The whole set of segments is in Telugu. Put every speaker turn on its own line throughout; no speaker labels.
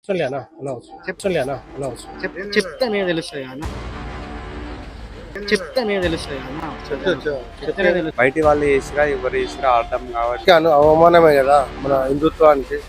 सुन लिया ना अनाउंस सुन लिया ना अनाउंस
చెప్తేనే తెలుస్తుంది అన్న, చెప్తేనే తెలుస్తుంది అన్న. చెప్తేనే తెలుస్తుంది.
బయటి వాళ్ళు చేసిరా ఎవరు చేసిరా అర్థం కావాలి.
అవమానమే కదా మన హిందుత్వానికి.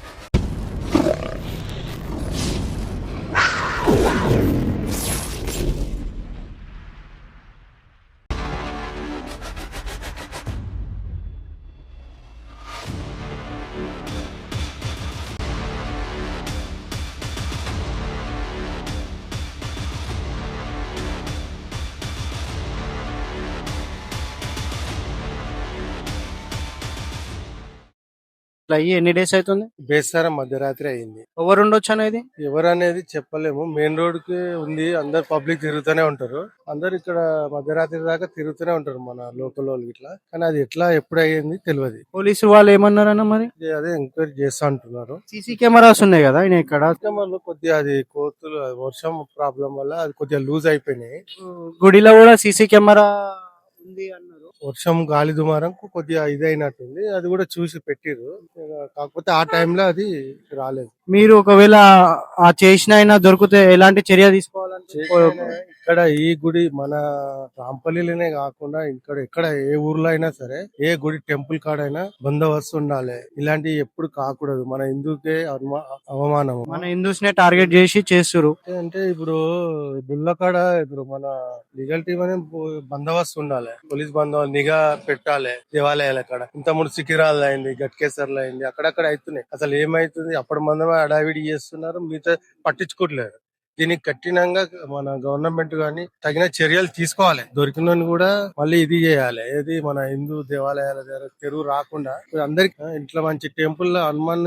ఇట్లా అయ్యి ఎన్ని డేస్ అవుతుంది?
బేస్తారం మధ్యరాత్రి అయింది.
ఎవరు ఉండొచ్చు అనేది
ఎవరు అనేది చెప్పలేము. మెయిన్ రోడ్ కి ఉంది, అందరు పబ్లిక్ తిరుగుతూనే ఉంటారు. అందరు ఇక్కడ మధ్యరాత్రి దాకా తిరుగుతూనే ఉంటారు మన లోకల్ వాళ్ళు ఇట్లా. కానీ అది ఎట్లా ఎప్పుడు అయ్యింది తెలియదు.
పోలీసు వాళ్ళు ఏమన్నారన్న మరి?
అదే ఎంక్వైరీ చేస్తా అంటున్నారు.
సీసీ కెమెరాస్ ఉన్నాయి కదా ఆయన ఇక్కడ.
కస్టమర్లు కొద్దిగా అది కోతులు వర్షం ప్రాబ్లం వల్ల అది కొద్దిగా లూజ్ అయిపోయినాయి.
గుడిలో కూడా సీసీ కెమెరా ఉంది అన్నారు.
వర్షం గాలి దుమారం కొద్దిగా ఇదైనట్టుంది. అది కూడా చూసి పెట్టిర్రు. కాకపోతే ఆ టైంలో అది రాలేదు.
మీరు ఒకవేళ ఆ చేసిన అయినా దొరికితే ఎలాంటి చర్య తీసుకోవాలంటే?
ఇక్కడ ఈ గుడి మన రాంపల్లిలోనే కాకుండా ఇక్కడ ఎక్కడ ఏ ఊర్లో అయినా సరే, ఏ గుడి టెంపుల్ కాడైనా బందోబస్తు ఉండాలి. ఇలాంటివి ఎప్పుడు కాకూడదు. మన హిందూకే అవమానం.
మన హిందూస్ నే టార్గెట్ చేసి చేస్తారు.
అంటే ఇప్పుడు గుళ్ళకాడ ఇప్పుడు మన లీగల్ టీం అనే బందోబస్తు ఉండాలి. పోలీస్ బందోబస్తు నిఘా పెట్టాలి. దేవాలయాల కాడ ఇంత ముందు సికిరాలు అయింది, గట్కేసర్లు అయింది, అక్కడక్కడ అవుతున్నాయి. అసలు ఏమైతుంది? అప్పటి మందమే అడావిడి చేస్తున్నారు, మిగతా పట్టించుకోవట్లేదు. దీనికి కఠినంగా మన గవర్నమెంట్ గాని తగిన చర్యలు తీసుకోవాలి. దొరికిన కూడా మళ్ళీ ఇది చేయాలి. ఏది మన హిందూ దేవాలయాల దగ్గర తెరువు రాకుండా అందరికి ఇట్లా మంచి టెంపుల్ హనుమాన్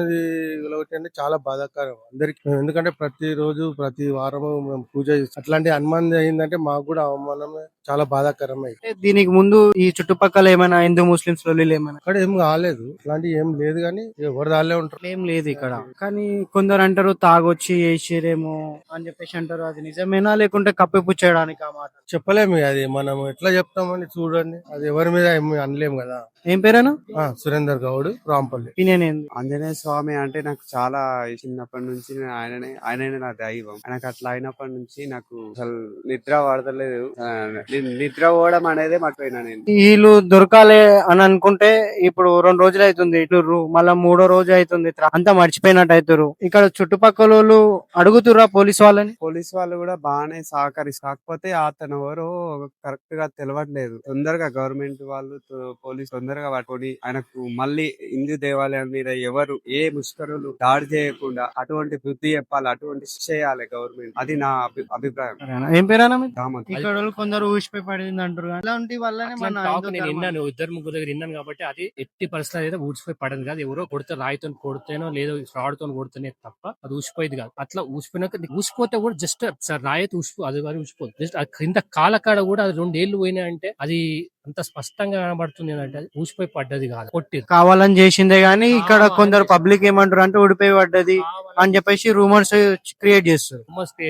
అంటే చాలా బాధాకరం అందరికి. ఎందుకంటే ప్రతి రోజు ప్రతి వారము మేము పూజ చేస్తాం. అట్లాంటి హనుమాన్ అయిందంటే మాకు కూడా అవమానమే, చాలా బాధాకరం.
దీనికి ముందు ఈ చుట్టుపక్కల ఏమైనా హిందూ ముస్లింస్ లొల్లీలు ఏమైనా?
ఇక్కడ ఏం కాలేదు, ఇట్లాంటి ఏం లేదు. కానీ ఎవరు దాళ్ళే ఉంటారు,
ఏం లేదు ఇక్కడ. కానీ కొందరు అంటారు తాగొచ్చి వేసిరేమో అని చెప్పేసి అంటారు. అది నిజమేనా లేకుంటే కప్పిపుచ్చేయడానికి ఆ మాట?
చెప్పలేము. అది మనం ఎట్లా చెప్తామని చూడండి. అది ఎవరి మీద ఏమి అనలేము కదా.
ఏం పేరేనా?
సురేందర్ గౌడ్, రాంపల్లి.
ఒపీనియన్ ఏంది?
ఆంజనేయ స్వామి అంటే నాకు చాలా చిన్నప్పటి నుంచి ఆయననే నా దైవం. ఆయనకు అట్లా అయినప్పటి నుంచి నాకు అసలు నిద్ర పడతలేదు. నిద్ర పోవడం అనేది మర్చిపోయినా నేను.
వీళ్ళు దొరకాలి అని అనుకుంటే ఇప్పుడు 2 రోజులు అవుతుంది ఇట్లు, మళ్ళా 3వ రోజు అవుతుంది, అంతా మర్చిపోయినట్టు అవుతారు. ఇక్కడ చుట్టుపక్కల వాళ్ళు అడుగుతురా పోలీస్ వాళ్ళని?
పోలీస్ వాళ్ళు కూడా బాగానే కాకపోతే అతను ఎవరో కరెక్ట్ గా తెలియట్లేదు. తొందరగా గవర్నమెంట్ వాళ్ళు పోలీస్ తొందరగా పట్టుకొని ఆయనకు మళ్ళీ హిందూ దేవాలయం మీద ఎవరు ఏ ముష్కరులు దాడి చేయకుండా అటువంటి బుద్ధి చెప్పాలి, అటువంటి శిక్ష చేయాలి గవర్నమెంట్. అది నా అభిప్రాయం.
ఏం పేరేనా?
దామత్.
ఇక్కడ కొందరు ఊసిపోయి పడింది అంటారు. అలాంటి వల్లనే
నేను విన్నాను, ఇద్దరు ముగ్గురు దగ్గర విన్నాను. కాబట్టి అది ఎట్టి పరిస్థితులు అయితే ఊసిపోయి పడదు కాదు. ఎవరో కొడితే రాయితో కొడితేనో లేదో ఫ్రాడ్ తో కొడితేనే తప్ప అది ఊసిపోయేది కాదు. అట్లా ఊసిపోయినాక ఊసిపోతే కూడా జస్ట్ రాయితో ఊసిపో, అది కానీ ఊసిపోదు. జస్ట్ కింద కాలకాడ కూడా అది 2 ఏళ్ళు పోయినాయి అంటే అది అంత స్పష్టంగా కనబడుతుంది అంటే అది ఊసిపోయి పడ్డది కాదు, కొట్టి
కావాలని చేసిందే. గానీ ఇక్కడ కొందరు పబ్లిక్ ఏమంటారు అంటే ఊడిపోయి పడ్డది అని చెప్పేసి రూమర్స్ క్రియేట్ చేస్తారు.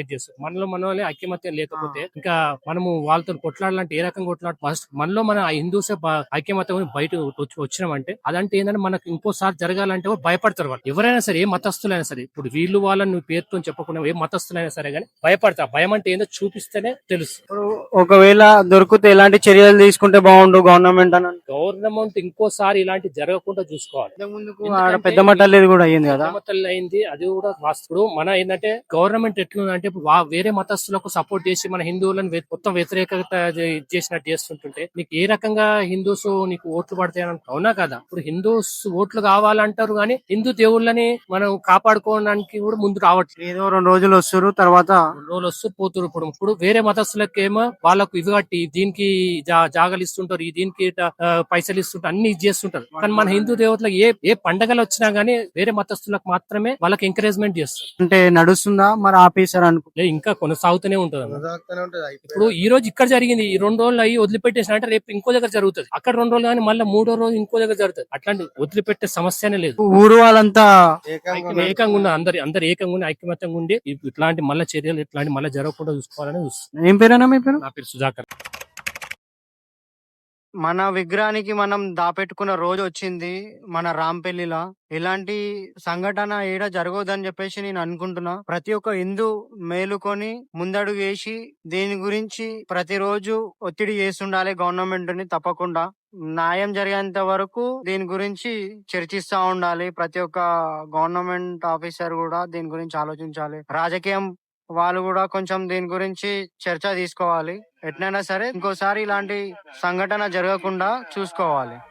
మనలో ఐక్యమత్యం లేకపోతే ఇంకా మనము వాళ్ళతో కొట్లాడాలంటే ఏ రకంగా కొట్లాడు? ఫస్ట్ మనలో మన హిందూసే ఐక్యమత్యం బయట వచ్చినామంటే అదంటే ఏంటంటే మనకు ఇంకోసారి జరగాలంటే భయపడతారు వాళ్ళు. ఎవరైనా సరే, ఏ మతస్థులైనా సరే. ఇప్పుడు వీళ్ళు వాళ్ళని నువ్వు పేరుతో చెప్పకుండా ఏ మతస్థులైనా సరే కానీ భయపడతారు. భయం అంటే ఏందో చూపిస్తేనే తెలుసు.
ఒకవేళ దొరికితే ఎలాంటి చర్యలు తీసుకుంటే బాగుండు గవర్నమెంట్ అని?
గవర్నమెంట్ ఇంకోసారి ఇలాంటి జరగకుండా చూసుకోవాలి.
పెద్ద మట్టలేదు కూడా అయ్యింది కదా,
అయింది. అది కూడా వాస్తవుడు. మన ఏంటంటే గవర్నమెంట్ ఎట్లుందంటే వేరే మతస్థులకు సపోర్ట్ చేసి మన హిందువులను మొత్తం వ్యతిరేకత చేసినట్టు చేస్తుంటుంటే నీకు ఏ రకంగా హిందూస్ నీకు ఓట్లు పడతాయని అవునా కదా? ఇప్పుడు హిందూస్ ఓట్లు కావాలంటారు కానీ హిందూ దేవుళ్ళని మనం కాపాడుకోవడానికి కూడా ముందు రావట్లేదు.
ఏదో 2 రోజులు వస్తారు, తర్వాత
2 రోజులు వస్తూ పోతున్నారు. ఇప్పుడు వేరే మతస్థులకేమో వాళ్ళకు ఇవి కట్టి దీనికి జాగలు ఇస్తుంటారు, దీనికి పైసలు ఇస్తుంటారు, అన్ని చేస్తుంటారు. కానీ మన హిందూ దేవతలకు ఏ పండగలు వచ్చినా గానీ వేరే మతస్థులకు మాత్రమే వాళ్ళకి ఎంకరేజ్మెంట్ చేస్తారు.
అంటే నడుస్తుందా మరి ఆపేశారు అనుకో?
ఇంకా కొనసాగుతూనే ఉంటుంది. ఇప్పుడు ఈ రోజు ఇక్కడ జరిగింది, ఈ 2 రోజులు అయ్యి వదిలిపెట్టేసిన అంటే రేపు ఇంకో దగ్గర జరుగుతుంది. అక్కడ 2 రోజులు కానీ మళ్ళీ 3వ రోజు ఇంకో దగ్గర జరుగుతుంది. అట్లాంటి వదిలిపెట్టే సమస్యనే లేదు.
ఊరు వాళ్ళంతా
ఏకంగా ఉన్న అందరు ఏకంగా ఉండి ఐక్యమత్యంగా ఉండి ఇట్లాంటి మళ్ళీ చర్యలు ఇట్లాంటి మళ్ళీ జరగకుండా చూసుకోవాలని చూస్తుంది.
ఏం పేరేనా మీ పేరు?
నా పేరు సుధాకర్.
మన విగ్రహానికి మనం దాపెట్టుకున్న రోజు వచ్చింది మన రాంపల్లిలా. ఇలాంటి సంఘటన ఏడ జరగదని చెప్పేసి నేను అనుకుంటున్నా. ప్రతి ఒక్క హిందూ మేలుకొని ముందడుగు వేసి దీని గురించి ప్రతిరోజు ఒత్తిడి చేస్తుండాలి గవర్నమెంట్ ని. తప్పకుండా న్యాయం జరిగేంత వరకు దీని గురించి చర్చిస్తా ఉండాలి. ప్రతి ఒక్క గవర్నమెంట్ ఆఫీసర్ కూడా దీని గురించి ఆలోచించాలి. రాజకీయం వాళ్ళు కూడా కొంచెం దీని గురించి చర్చ తీసుకోవాలి. ఎట్లయినా సరే ఇంకోసారి ఇలాంటి సంఘటన జరగకుండా చూసుకోవాలి.